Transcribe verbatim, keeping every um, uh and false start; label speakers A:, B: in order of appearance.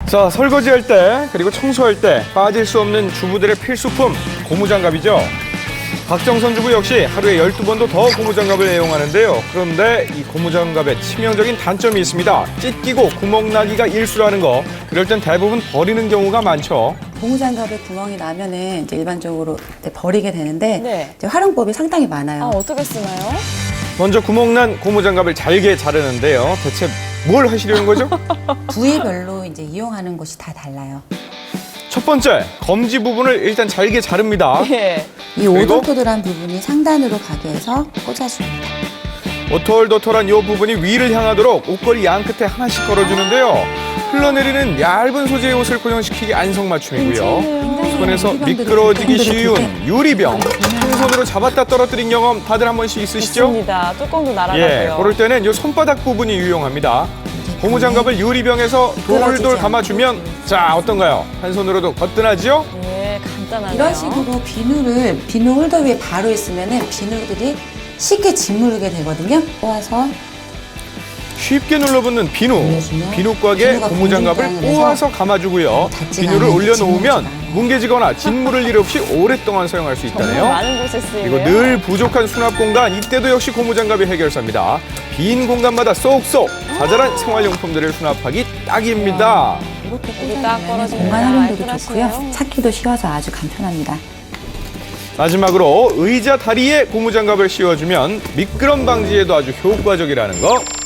A: 자, 설거지할 때 그리고 청소할 때 빠질 수 없는 주부들의 필수품 고무장갑이죠. 박정선 주부 역시 하루에 열두 번도 더 고무장갑을 애용하는데요. 그런데 이 고무장갑에 치명적인 단점이 있습니다. 찢기고 구멍 나기가 일수라는 거. 그럴 땐 대부분 버리는 경우가 많죠.
B: 고무장갑에 구멍이 나면은 이제 일반적으로 이제 버리게 되는데
C: 네.
B: 이제 활용법이 상당히 많아요.
C: 아, 어떻게 쓰나요?
A: 먼저 구멍난 고무장갑을 잘게 자르는데요. 대체 뭘 하시려는 거죠?
B: 부위별로 이제 이용하는 곳이 다 달라요.
A: 첫 번째, 검지 부분을 일단 잘게 자릅니다.
C: 예.
B: 이 오돌토돌한 부분이 상단으로 가게 해서 꽂아줍니다.
A: 오톨도톨한 이 부분이 위를 향하도록 옷걸이 양 끝에 하나씩 걸어주는데요. 흘러내리는 얇은 소재의 옷을 고정시키기 안성맞춤이고요. 손에서 미끄러지기 쉬운 유리병, 한 손으로 잡았다 떨어뜨린 경험 다들 한 번씩 있으시죠?
C: 있습니다. 뚜껑도 날아가고요.
A: 예, 그럴 때는 이 손바닥 부분이 유용합니다. 고무장갑을 유리병에서 돌돌 감아주면 자 어떤가요? 한 손으로도 거뜬하죠?
C: 예, 간단하네요.
B: 이런 식으로 비누를 비누 홀더 위에 바로 있으면은 비누들이 쉽게 짓무르게 되거든요. 꼬아서
A: 쉽게 눌러붙는 비누,
B: 올려주면
A: 비누곽에
B: 비누가
A: 고무장갑을
B: 공중장을
A: 꼬아서 감아주고요.
B: 닿지가
A: 비누를
B: 않아요.
A: 올려놓으면
B: 짓무르지가 않아요.
A: 뭉개지거나 짓무를 일 없이 오랫동안 사용할 수
C: 정말
A: 있다네요.
C: 많은 곳에 쓰이네요.
A: 그리고 늘 부족한 수납 공간, 이때도 역시 고무장갑이 해결사입니다. 빈 공간마다 쏙쏙 자잘한 생활용품들을 수납하기 딱입니다.
B: 이렇게
C: 여기 딱
B: 꽂아주면
C: 떨어지면
B: 공간 활용도도
C: 알뜰하시네요.
B: 좋고요. 찾기도 쉬워서 아주 간편합니다.
A: 마지막으로 의자 다리에 고무장갑을 씌워주면 미끄럼 방지에도 아주 효과적이라는 거